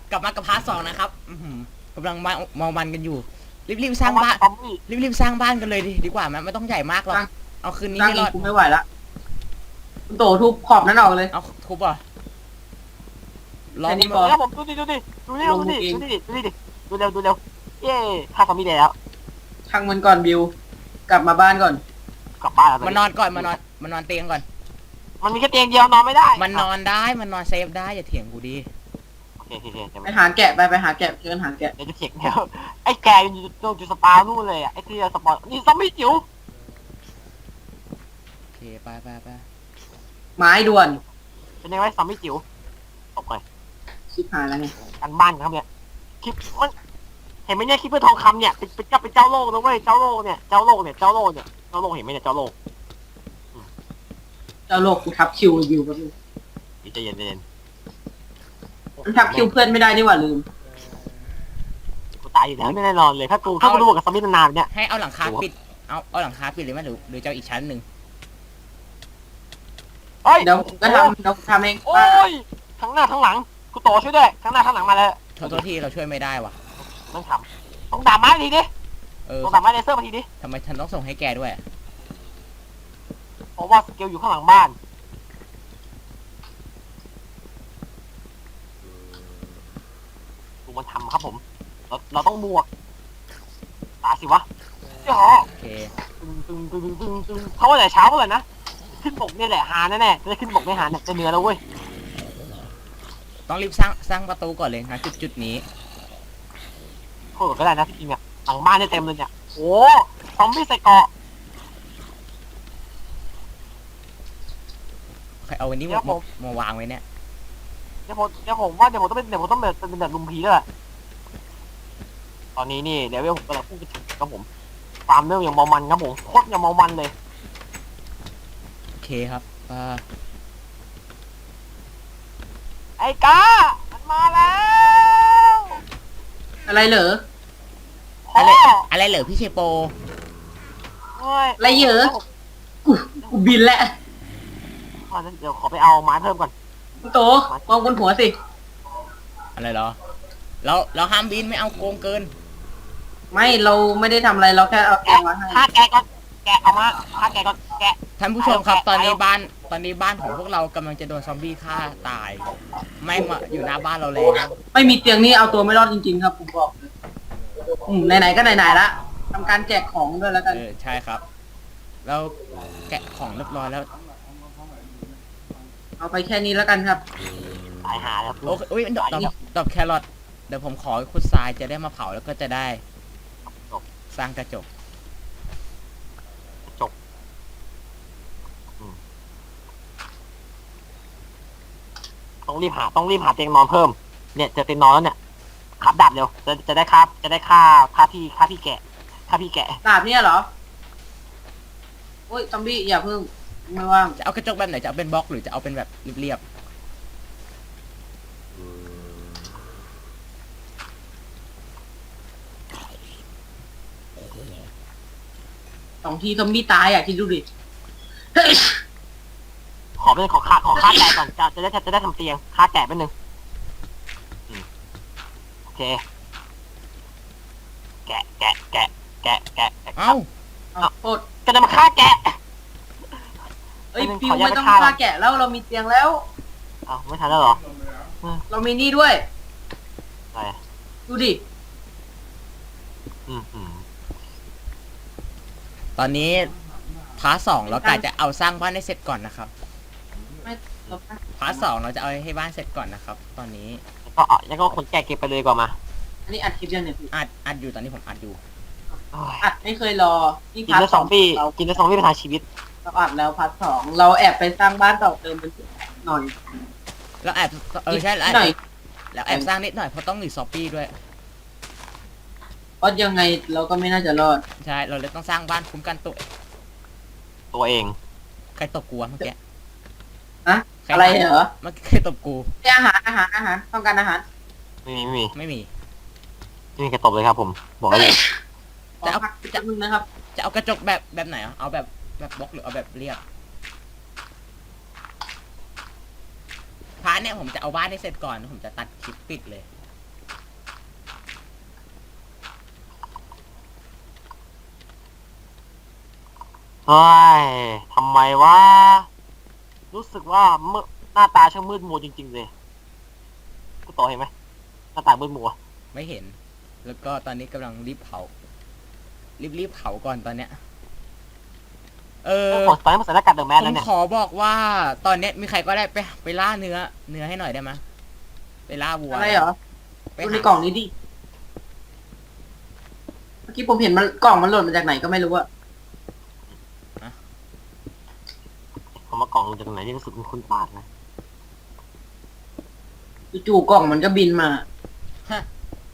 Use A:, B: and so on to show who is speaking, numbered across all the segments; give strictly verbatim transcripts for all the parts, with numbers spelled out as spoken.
A: กลับมากับพาร์ทสองนะครับกำลังมามองมันกันอยู่รีบๆสร้างบ้านรีบๆสร้างบ้านกันเลยดีดีกว่ามันไม่ต้องใหญ่มากหรอกเอาคืนนี้
B: สร้าง
A: ให้ร
B: อี
A: อก ด
B: กูไม่ไหวละคุณโตทุบขอบนั้นออกเลย
A: เอาทุบอ่ะลอง
B: แค่นี้
A: ดู
B: พอ
C: แล้วผมดูดิดูดิดูดิดูดิดูดิดูดิดูเร็วดูเร็วเย้ฆ่าซอมบี้ได้แล้ว
B: ช่างมันก่อนบิวกลับมาบ้านก่อน
C: กลับบ้านแล้ว
A: มานอนก่อนมานอนมานอนเตียงก่อน
C: มันมีแค่เตียงเดียวนอนไม่ได้
A: มันนอนได้มันนอนเซฟได้อย่าเถียงกูดิ
C: โอเคโอเคโอเค
B: ไปหาแกะไปไปหาแกะเชิญหาแกะ
C: เดี๋ยวจะเถียงเดี๋ยวไอ้แกอยู่จุดสปานู่นเลยอ่ะไอ้ที่สปอนนี่ซอมบี้จิ๋ว
A: โอเคไปไปไป
B: ไม้ด่วน
C: เป็นยังไงซอมบี้จิ๋วตบไป
B: ชิบหายแล้วไง
C: กันบ้านครับเนี่ยคลิปมันเห็นไหมเนี่ยคลิปเพื่อทองคำเนี่ยเป็นเป็นเจ้าเป็นเจ้าโลกนะเว้ยเจ้าโลกเนี่ยเจ้าโลกเนี่ยเจ้าโลกเนี่ยเจ้าโลกเห็นไหมเนี่ยเจ้าโลก
B: เจ้าโลกกูทับคิวบิวแป๊บนึง
C: นี่ใจเย็นใจเย็น
B: มันทับคิวเพื่อนไม่ได้นี่หว่าลืม
C: กูตายอยู่แล้วแน่นอนเลยถ้ากูถ้ากูรู้กับซอมบี้นานๆเนี่ย
A: ให้เอาหลังคาปิดเอาเอาหลังคาปิดเลยไหมหรือหรือจะเอาอีกชั้นหนึ่ง
C: เฮ้ย
B: เดี๋ยวก็ทำเดี๋ยวทำเอง
C: โอ้ยทั้งหน้าทั้งหลังกูโตช่วยด้วยทั้งหน้าทั้งหลังมาเลย
A: โทษโทษที่เราช่วยไม่ได้ว่ะ
C: ต้องทำต้องด่าไม้ทีดิ
A: เออ
C: ต้องด่าไม้เลเซอร์มาทีดิ
A: ทำไมฉันต้องส่งให้แกด้วย
C: เพราะว่าสเกลอยู่ข้างหลังบ้านกูมาทำครับผมเราเราต้องบวกตาสิวะเจ้า
A: โอเค
C: ตึงตึงตึงตึงตึงเขาว่าแต่เช้าเลยนะขึ้นบกเนี่ยแหละหาแน่ๆจะได้ขึ้นบกไม่หาเนี่ยจะเหนือแล้วเว้ย
A: ต้องรีบสร้างสร้างประตูก่อนเลยนะจุดจุดนี้
C: โคตรก็ได้นะจริงๆเนี่ยหลังบ้านเนี่ยเต็มเลยเนี่ยโอ้ซอมบี้ใส่เกาะ
A: ใครเอาวันนี้
C: เดี๋
A: มา
C: ยวผม
A: มาวางไว้เนี่ย
C: เดี๋ยวผมเดี๋ยวผมว่าเดี๋ยวผมต้องเป็นเดี๋ยวผมต้องเป็นเป็นแบบลุมพีแล้วแหละตอนนี้นี่เดี๋ยวผมกำลังพูดถึงครับผมฟาร์มเรื่องอย่างเมามันครับผมโคตรอย่างเมามันเลย
A: โอเคครับอ่า
C: ไอ้กามันมาแล้ว
B: อะไรเหรอ
C: พ่อ
A: อะไรอะไรเหรอพี่เชโป
C: เฮ้ย
B: อะไรเหรอ กูกูบินแล้ว
C: พ่อเดี๋ยวขอไปเอาไม้เพิ่มก่อน
B: คุณโตมองบนหัวสิ
A: อะไรเหรอเราเราห้ามบินไม่เอาโกงเกิน
B: ไม่เราไม่ได้ทำอะไรเราแค่เอาแกะ
C: แกะ
B: มาให้
C: ฆ่าแกะก่อนแกะเอามาฆ่าแกะก่อนแกะ
A: ท่านผู้ชมครับ
C: เอา
A: ตอนนี้
C: เอา
A: บ้านตอนนี้บ้านของพวกเรากำลังจะโดนซอมบี้ฆ่าตาย ไม่มาอยู่หน้าบ้านเราแล้ว
B: ไม่มีเตียงนี่เอาตัวไม่รอดจริงๆครับผมบอกเลยอืมไหนๆก็ไหนๆละทำการแจกของด้วยแล้วกัน
A: เออใช่ครับเราแกะของเรียบร้อยแล้ว
B: เอาไปแค่นี้แล้วกันครับ
C: ตายหาแล้ว
A: โอเคอุ้ยดอกดอกดอกแครอทเดี๋ยวผมขอขุดทรายจะได้มาเผาแล้วก็จะได้สร้างกระจก
C: ต้องรีบหาต้องรีบหาเตียงนอนเพิ่มเนี่ยเจอเตียงนอนแล้วเนี่ยขับดาบเร็วจะจะได้ค่าจะได้ค่าค่าพี่ค่าพี่แกะค่าพี่แกะ
B: ดาบเนี่ยเหรอโอ้ยซอมบี้อย่าเพิ่งไม่ว่าง
A: จะเอากระจกแบบไหนจะเอาเป็นบล็อกหรือจะเอาเป็นแบบเรียบ
B: สองทีซอมบี้ตายอ่ะคิดดูดิเฮ้ย
C: ขอเป็นขอค่าขอค่าแกะก่อนจะจะได้จะได้ทำเตียงค่าแกะเป็นหนึ่งอืมโอเคแกะแกะแกะแกะแกะ
A: ๆเอ้า
B: เอาโทษ
C: จะได้มาฆ่าแกะ
B: เอ้ย
C: ไม่
B: ฟิว
C: ขออนุญาต
B: ไม่ต้อง
C: ไปฆ่า
B: ฆ่าแกะแล้วเรามีเตียงแล้ว
C: อ้าวไม่ทันแล้วเหรอ
B: เรามีนี่ด้วย
C: อะไร
B: ดูดิ
C: อืมอืม
A: ตอนนี้พาร์ทสองเรากะจะเอาสร้างบ้านให้เสร็จก่อนนะครับ
B: ไม่เรา
A: พาร์ทสองเราจะเอาให้บ้านเสร็จก่อนนะครับ ตอนนี้
C: แล้วก็เอาแล้วก็คนแกะเก็บไปเลยดีกว่ามา
B: อันนี้อัดคลิปยังเนี่ยพี่
A: อัดอัดอยู่ตอนนี้ผมอัดอยู่
C: โอ้ย
B: อัดไม่เคยรอนี่
C: กิน
B: พาร์
C: แล้ว
B: ท
C: สองปี
B: เรา
C: กินแล้วสองปีเป็นทางชีวิต
B: เราอัดแล้วพาร์ทสองเราแอบไปสร้างบ้านต่อเติมมันหน่อย
A: แล้วแอบเออใช่แล้ว
B: หน่อย
A: แล้วแอบสร้างนิดหน่อยเพราะต้องหนีซอปปี้ด้วย
B: เพราะยังไงเราก็ไม่น่าจะรอด
A: ใช่เราเลยต้องสร้างบ้านคุ้มกันตัว
C: ตัวเอง
A: ใครตบกูวะเมื่อกี้
B: อะ
A: ใคร
B: อะไรเหรอ
A: เมื่อกี้ใครตบกู
B: ให้อาหารอาหารอาหารต้องการอาหาร
C: ไม่มีไม่มี
A: ไม่มี
C: ไม่มีใครตบเลยครับผมบอกเลย
B: ขอพักจับนึงนะครับ
A: จะเอากระจกแบบแบบไหนอ่ะเอาแบบแบบบล็อกหรือเอาแบบเรียบพาร์ทเนี่ยผมจะเอาบ้านให้เสร็จก่อนผมจะตัดคลิปปิดเลย
C: เฮ้ยทำไมวะรู้สึกว่ามืดหน้าตาช่างมืดมัวจริงๆเลยกูต่อเห็นไหมหน้าตามืดมัว
A: ไม่เห็น แล้วก็ตอนนี้กำลังรีบเผา รีบรีบเผาก่อนตอนเนี้ย เออ
C: ตอนนี้มันใส่หน้ากากเดอะแมน
A: ผ
C: แล้ว
A: ม
C: เนี่ย
A: ขอบอกว่าตอนเนี้ยมีใครก็ได้ไปไปล่าเนื้อ เนื้อให้หน่อยได้ไหมยไปล่าวัว
B: อะไรเหรอ
A: ไป
B: ดู
A: หา
B: ในกล่องนี้ดิเมื่อกี้ผมเห็นมันกล่องมันหล่นมาจากไหนก็ไม่รู้อะ
C: ผมมากล่องลงจากไหนที่รู้สึกมันคุ้นปากนะ
B: จู่ๆกล่องมันก็บินมา
A: ฮะ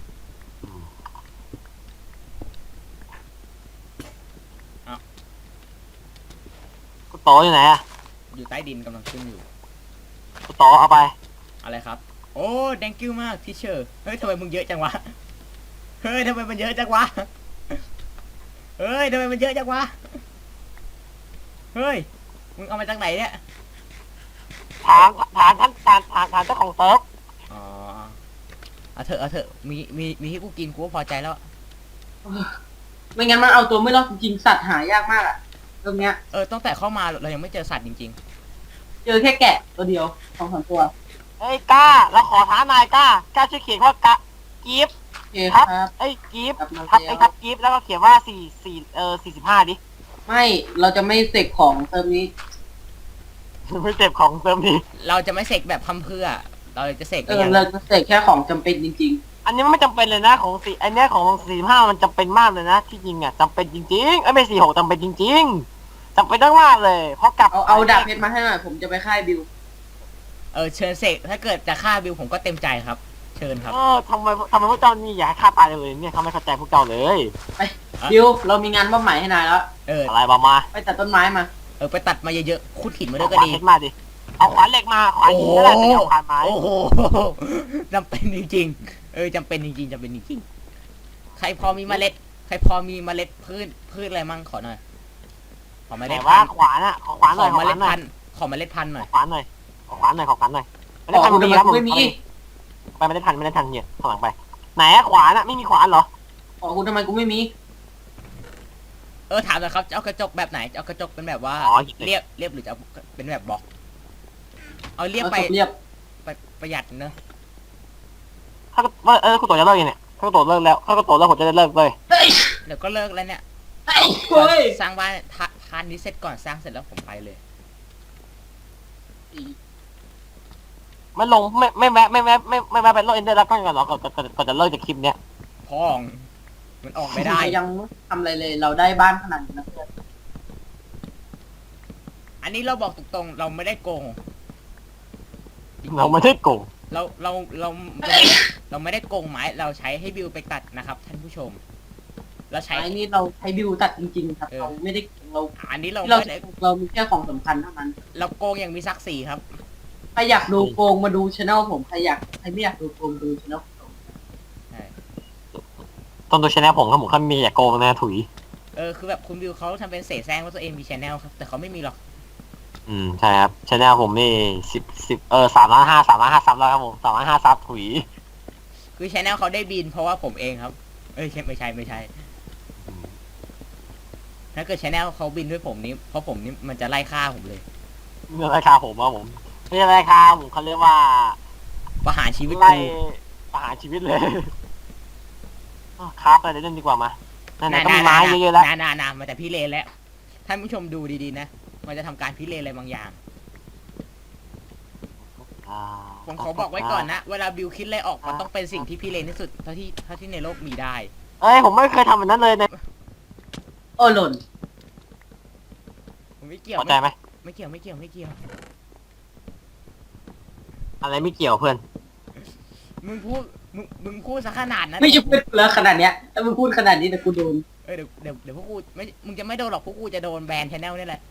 C: กูโตอยู่ไหนอะ
A: อยู่ใต้ดินกำลังขึ้นอยู่
C: กูโตเอาไป
A: อะไรครับ โอ้ thank you มากทีเชอร์เฮ้ยทำไมมึงเยอะจังวะ เฮ้ยทำไมมันเยอะจังวะ เฮ้ยทำไมมันเยอะจังวะ เฮ้ย มึงเอามาจากไหนเนี่ย
C: ถามถามท่านถามถามถามเจ้าของเซิร์ฟ
A: อ๋อ เอาเถอะเอาเถอะ มีมีมีให้กูกินกูก็พอใจแล้ว
B: ไม่งั้นมันเอาตัวไม่รอดจริงๆสัตว์หายากมากอะตรงเนี้ย
A: เออตั้งแต่เข้ามาเรายังไม่เจอสัตว์จริง
B: เจอแค่แกะตัวเดียวสองสามตัว
C: เฮ้ยกล้าเราขอท้านายกล้ากล้าช่วยเขียนว่ากะกิฟต์
B: โอเคครับ
C: ไอ้ยกิฟต์
B: ครับมา
C: ทับ
B: แล้ว
C: ไอ้ทับกิฟต์แล้วก็เขียนว่าสี่สี่เออสี่สิบห้าดิ
B: ไม่เราจะไม่เสกของเติมนี้
C: ไม่เจ็บของเติมนี้
A: ๆ เราจะไม่เสกแบบพัมเพรื่อ เราจะเสก
B: เอ
A: ไป
B: อ
A: อย่าง
B: เราจะเสกแค่ของจำเป็นจริง
C: อันนี้มันไม่จำเป็นเลยนะของสี่อันเนี้ยของสี่ห้ามันจำเป็นมากเลยนะที่จริงอ่ะจำเป็นจริงๆไอ้ยไม่สี่หกจำเป็นจริงๆจำเป็นมากๆเลยเพราะกลับ
B: ๆ เอาเอาดาบเพชรมาให้หน่อยผมจะไปค่ายบิว
A: เออเชิญเสกถ้าเกิดจะฆ่าบิวผมก็เต็มใจครับ เชิญครับ
C: เออทำไมทำไมพวกเจ้านี่อยากให้ฆ่าตายเลยเนี่ยเขาไม่เข้าใจพวกเจ้าเลย
B: บิวเรามีงานมอบหมายให้นายแล้ว
A: เออ
C: อะไรบ้ามา
B: ไปตัดต้นไม้มา
A: เออไปตัดมาเยอะๆขุดหินมาด้
C: เอา
A: วย
C: ข
A: ก็
C: วาน
A: ดี
C: เพชรมาดิเอาขวานเหล็กมาขวานหินก็ได้แต่เอาขวานไม้
A: โอ้โห จำเป็นจริงๆ เออจำเป็นจริงๆจำเป็นจริงๆ ใครพอมีเมล็ด ใครพอมีเมล็ดพืชพืชอะไรมั่งขอหน่อย ขอเมล็
C: แต่
A: ด
C: ว่า
A: พันธุ์
C: ขวานอ่ะขอขวานห
A: ข
C: น่
A: อ
C: อยขอ
A: เม
C: ข
A: ล็
C: วา
A: ด
C: นหน่อ
A: พั
C: ย
A: นธุ์ขอเมล็ดพันธุ์หน่อย
C: ขอขวานหน่อยขอขวานหน่อยขอขวานหน่อยไม่
B: ข
C: ได้
B: อ
C: ทัน
B: คุณ
C: ดี
B: ทำ
C: ครับ
B: ไม
C: ผม
B: ไม่มี
C: ไปไม่ได้ทันไม่ได้ทันเนี่ยข้างหลังไปไหนอะขวานอะไม่มีขวานเหรอ
B: ขอคุณทำไมกูไม่มี
A: เออถามหน่อยครับจะเอากระจกแบบไหนจะเอากระจกเป็นแบบว่า
C: อ๋อหยิบเลย
A: เรียบเรียบหรือจะเอาเป็นแบบบล็อก เอาเรียบ
B: เอา
A: ไป
B: ศพเรียบ
A: ไปประหยัดเนอะ
C: ถ้าว่าเออคุณโตจะเลิกยังเนี่ยถ้าคุณโตเลิกแล้วถ้าคุณโตเลิกผมจะได้เลิกเลย
B: เฮ้ย
A: เดี๋ยวก็เลิกแล้วเนี่ย
B: เฮ้ย
A: สร้างบ้านทะทานนี้เสร็จก่อนสร้างเสร็จแล้วผมไปเลย
C: ไม่ลงไม่ไม่แวะไม่แวะไม่ไม่แวะไปโลกเอ็นเดอร์แล้วก็ก่อนหรอก่อนก่อนก่อนจะเลิกจากคลิปเนี้ย
A: พ้องมันออกไม่ได้
B: ยังไม่ทำอะไรเลย เราได้บ้านขนาดนี้นะเพื่อน
A: อันนี้เราบอกตรงๆเราไม่ได้โกง
C: เราไม่ได้โกง
A: เราเราเราเราไม่ได้โกงไม้เราใช้ให้บิวไปตัดนะครับ ท่านผู้ชม เราใช้
B: ไอ้นี่เราใช้บิวตัดจริงๆครับ
A: เออ
B: เราไม่ได้เรา
A: อันนี้เรา
B: ที่เรา
A: ไม่ได้
B: เรามีแค่ของสำคัญเท่านั้น
A: เราโกงอย่างมีศักดิ์ศรีครับ
B: ใครอยากดูโกงมาดูช anel ผมใครอยากใครไม่อยากดูโกงดูช anel ผม
A: ใช่
C: ต้นตัวชแนลผมครับผมเขามีอย่าโกงนะถุย
A: เออคือแบบคุณบิวเขาทำเป็นเสแสร้งว่าตัวเองมีชแนลครับแต่เขาไม่มีหรอก
C: อืมใช่ครับชแนลผมนี่สิบสิบเออสามล้านห้าสามล้านห้าซับแล้วครับผมสามล้านห้าซับถุย
A: คือชแนลเขาได้บินเพราะว่าผมเองครับ เอ้ยไม่ใช่ไม่ใช่ ถ้าเกิดชแนลเขาบินด้วยผมนี้เพราะผมนี่มันจะไล่ฆ่าผมเลย
C: เรื่องราคาผมครับผมไม่ใช่ราคาผมเขาเรียกว่า
A: ประหารชีวิต
C: ไล่
A: กู
C: ประหารชีวิตเลยอ้าวครับไปเล่นดีกว่ามาไหนๆก็มีไม้เยอะๆแล้ว
A: นานานามาแต่พี่เลนแล้วท่านผู้ชมดูดีๆนะมันจะทำการพิเรนอะไรบางอย่าง ผมขอบอกไว้ก่อนนะ เวลาบิวคิดอะไรออกมันต้องเป็นสิ่งที่พี่เลนที่สุดเท่าที่เท่าที่ในโลกมีได้
C: เอ้ยผมไม่เคยทำแบบนั้นเลยนะ
B: โอ้หล่น
A: ผมไม่เกี่ยว
C: เข้าใจไหม
A: ไม่เกี่ยวไม่เกี่ยวไม่เกี่ยว
C: อะไรไม่เกี่ยวเพื่อน
A: มึงพูดมึงมึงพูดซะขนาดนั้น
B: ไม่ใช่พูดแล้วขนาดเนี้ยถ้ามึงพูดขนาดนี้แต่กูโดน
A: เออเดี๋ยวเดี๋ยวเดี๋ยวพวกกูไม่มึงจะไม่โดนหรอกพวกกูจะโดนแบนชแนลนี่แหละ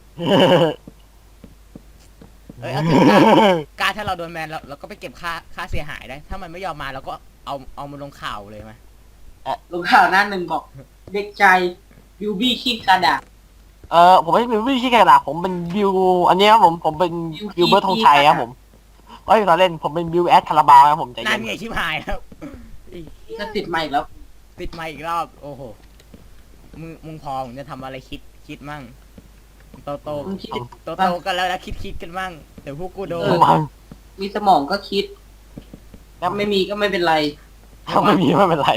A: เอ้ยเอาเถอะกล้ากล้าถ้าเราโดนแบนเราเราก็ไปเก็บค่าค่าเสียหายได้ ถ้ามันไม่ยอมมาเราก็เอาเอามันลงข่าวเลยไหม
B: ลงข่าวหน้าหนึ่งบอก เด็กใจบิวบี้ขี้กระดาษ
C: เออผมไม่ใช่บิวที่แค่กระดาษผมเป็นบิวอันนี้ครับผมผมเป็น
B: บิว
C: บิวเบิร์ดธงชัยครับผมเอ้ยตอนเล่นผมเป็นบิวแอดคาราบาวครับผมใจ
A: นั่
C: เย็
A: น
C: น
A: ไงชิบหายแล้วอี
B: ก็ติดมาอีกแล้ว
A: ติดมาอีกรอบ โอ้โหมึงมึงพอมึงจะทำอะไรคิดคิดมั่งโตโต
B: มึงคิด
A: โตโตกันแล้วนะคิดคิดกันมั่งเดี๋ยวพวกกูโดน
B: เออ
C: มัน
B: มีสมองก็คิดแล้วไม่มีก็ไม่เป็นไร
C: ถ้าไม่มีไม่เป็นไร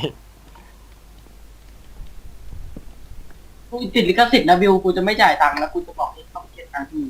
B: กูติดลิขสิทธิ์นะบิวกูจะไม่จ่ายตังค์แล้วกูจะบอกให้เขาเก็บตังค์ที่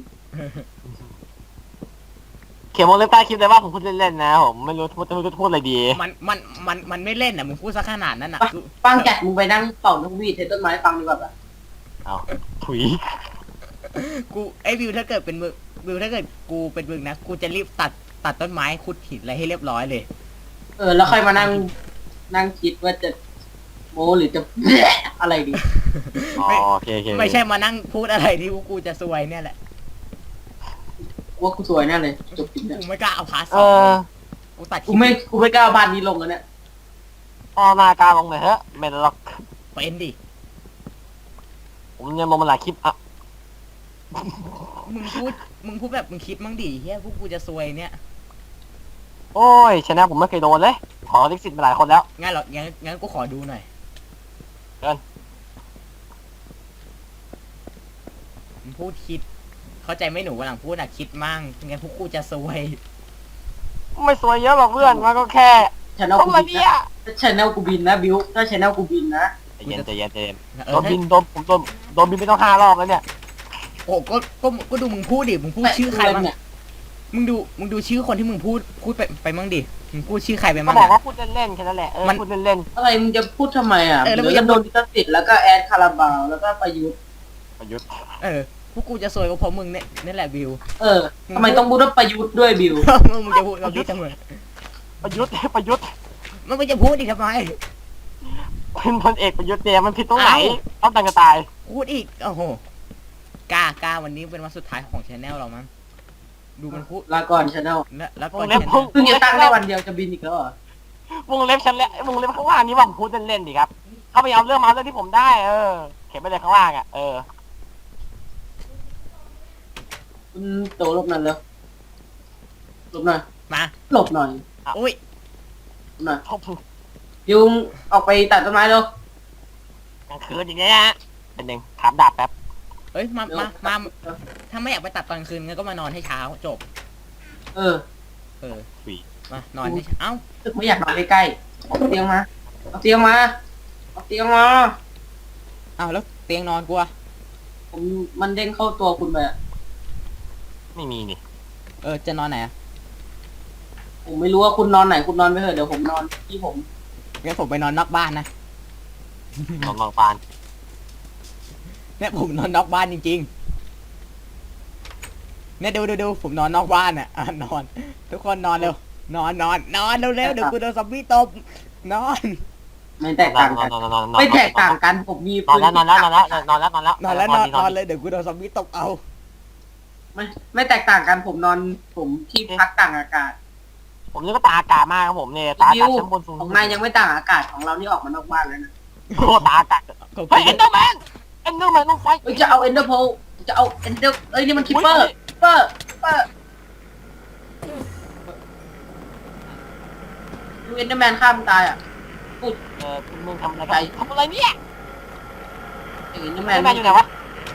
C: เขียนวงเล็บใต้คลิปเลยว่าผมพูดเล่นๆนะผมไม่รู้พูดไม่รู้จะพูดอะไรดี
A: มันมันมันมันไม่เล่นอ่ะมึงพูดซะขนาดนั้นอ่ะ
B: ปัง
A: กู
B: ปังแกะมึงไปนั่งเป่านกหวีดในต้นไม้ฟังดีกว่าแบบ
C: เอาถุย
A: กูไอ้วิวถ้าเกิดเป็นมึงวิวถ้าเกิดกูเป็นมึงนะกูจะรีบตัดตัดต้นไม้ขุดหินอะไรให้เรียบร้อยเลย
B: เออแล้วค่อยมานั่งนั่งคิดว่าจะโมหรือจะ อะไรดี
C: อ๋อโอเคโอเค
A: ไม่ใช่มานั่งพูดอะไรที่พวกกูจะซวยเนี่ยแหละ
B: ว่ากูสวยแน่เลยจบจริงเนี่ย
A: กูไม่กล้าเอาพาร์ทส
C: เอ
A: อง
C: อ
A: กูตัดค
B: กู
A: ลิป
B: ไม่กูไม่กล้าเอาบ้านนี้ลงแล้วเนี่ย
C: เอาหน้ากาลงหน่อยเถอะไม่หรอก
A: เป็นดิ
C: ผมยังลงมาหลายคลิปอ่ะ
A: มึงพูดมึงพูดแบบมึงคิดมั่งดิเฮียพวกกูจะซวยเนี่ย
C: โอ้ยชนะผมไม่เคยโดนเลย ขอลิขสิทธิ์มาหลายคนแล้ว
A: งั้นเหรองั้นงั้นกูขอดูหน่อย
C: เชิญ
A: มึงพูดคิด เข้าใจไหมหนูวันหลังพูดอ่ะคิดมั่งงั้นพวกกูจะซวย
C: ไม่สวยเยอะหรอกเพื่อนมันก็แค่
B: ชแนล
C: ทำ
B: กู
C: อะไร
B: บิน
C: เนี่ย
B: นะถ้าชแนลกูบินนะบิวถ้าชแนลกูบินนะ
C: ใจเย็นใจเย็นใจเย็น
A: เอ
C: โด
A: อน
C: บินโดนผมโดนโดนบินไปต้องห้ารอบแล้วเนี่ย
A: โอ้ก็ก็ก็ดูมึงพูดดิมึงพูดชื่อใครบ้าง
B: เนี่ย
A: มึงดูมึงดูชื่อคนที่มึงพูดพูดไปไปมั่งดิมึงพูดชื่อใครไป
C: ก็
A: มั่ง
C: บอก
A: อะ
C: ว่าพูดเล่นๆแค่นั้นแหละเออ
A: มัน
C: พูดเล่น
B: อะไรมึงจะพูดทำไมอ่ะ
A: เออแล้วมึ
B: เดี๋
A: ง
B: ยว
A: จะ
B: จะโดนลิขสิทธิ์แล้วก็แอดคาราบาวแล้วก็ประยุทธ์
C: ๆประยุทธ์
A: เออพวกกูจะซวยก็เพราะมึงเนี่ยนี่แหละวิว
B: เออทำไมต้องพูดว่าประยุทธ์ด้วยบิว
A: มึงมึงจะพูดกับพี่ทำไม
C: ประยุทธ์ประยุทธ์
A: มันไม่จะพูดอีกทำไม
C: เป็นพลเอกประยุทธ์เนี่ยมันผิดตรงไหน
A: เอ้า
C: ต้องตังกระตาย
A: พูดอีกโอ้โหกล้ากล้าวันนี้เป็นวันสุดท้ายของชแนลเรามั้งดูมันพูด
B: ลาก่อนชแนล
A: แล้วแล้ว
C: ว
A: ก่อน
C: งเล็บ
A: channel
C: พุ่ง
B: เพิ่งจะตั้งได้วันเดียวจะบินอีกแล้วเหรอ
C: วงเล็บชั้นแล้ววงเล็บข้างล่างนี้ว่าผมพูดเล่นๆดิครับเขาพยายามเรื่องมาเรื่องที่ผมได้ เออ เขียนไปเลยข้างล่างอ่ะเออ
B: คุณโตหลบหน่อยเร็วหลบหน่อย
A: มา
B: หลบหน่อย
A: อุ้ย
B: หลบหน่อย
C: ชอบ
B: บิวออกไปตัดต้นไม้เร็ว
C: กลางคืนอย่างเงี้ยนะเป็นหนึ่งถามดาบแป๊บ
A: เอ้ยมา
B: เร็ว
A: มามาถ้าไม่อยากไปตัดตอนคืนงั้นก็มานอนให้เช้าจบ
B: เออ
A: เออ
C: ฝี
A: มานอนให้เช้าเอ้า
B: ตึกไม่อยากนอนใกล้ๆเอาเตียงมาเอาเตียงมาเอาเตียงมา
A: เอ้าแล้วเตียงนอนกูอะ
B: ผมมันเด้งเข้าตัวคุณไปอะ
C: ไม่มีนี่
A: เออจะนอนไหนอะ
B: ผมไม่รู้ว่าคุณนอนไหนคุณนอนไปเถอะเดี๋ยวผมนอนที่ผม
A: งั้นผมไปนอนนอกบ้านนะ
C: นอนบางปาน
A: เนี่ยผมนอนนอกบ้านจริงๆเนี่ยดูดูดูผมนอนนอกบ้านอ่ะอ่ะนอน ทุกคนนอนเร็วนอนนอนนอนเร็วเร็วเดี๋ยวกูโดนซอมบี้ตบนอน
B: ไม่แตกต่าง
C: นอ
B: กัน น
C: นอนนอนนอน
B: ไม่แตกต่างกันผมมี
C: นอนแล้วนอนแล้วนอนแล้วนอนแล้วนอนแล้ว
A: นอนแล้วนอนนอนเลยเดี๋ยวกูโดนซอมบี้ตบเอา
B: ไม่ไม่แตกต่างกันผมนอนผมที่พักต่างอากาศ
C: ผมนี่ก็ตาอากาศมากครับผมเนี่ยตาอา
B: วิ
C: กาศ
B: ว
C: ชั้นบนสูง
B: ของนายยังไม่ต่างอากาศของเรานี่ออกมานอกบ้านแล้วนะ
C: โอ้ตาอากาศ
A: ก็
C: เฮ้ยเอ็นเดอร์แมนเอ็นเดอร์แมนต้องไฟ
B: เอ้ยจะเอาเอนเดอร์โพจะเอาเอนเดอร์เอ้ยนี่มันคิปเปอร์คิปเปอร์คิปเปอร์ดูเอนเดอร์แมนฆ่ามึงตายอ่ะ
C: เออมึงทำอะไรกันทำอะไรเนี่ย
B: เอนเดอร์
C: แม
B: แมน
C: นอยู่ไหนวะ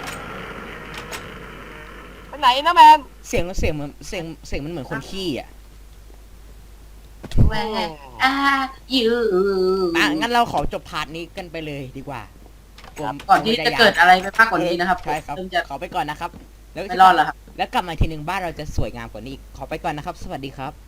C: ไปไหนเอ็นเดอร์แมน
A: เสียงเสียงเหมือนเสียงเสียงมันเหมือนคนขี้อ่ะ
B: แม่อ่ายู
A: อ่ะงั้นเราขอจบพาร์ทนี้กันไปเลยดีกว่าผม
B: ก่อนที่จะเกิดอะไรไปมากกว่านี้นะครับ
A: ใช่ครับ
B: เริ่มจะ
A: ขอไปก่อนนะครับแล้ว
B: ไม่รอดแล้วครับ
A: แล้วกลับมาทีหนึ่งบ้านเราจะสวยงามกว่านี้อีกขอไปก่อนนะครับ สวัสดีครับ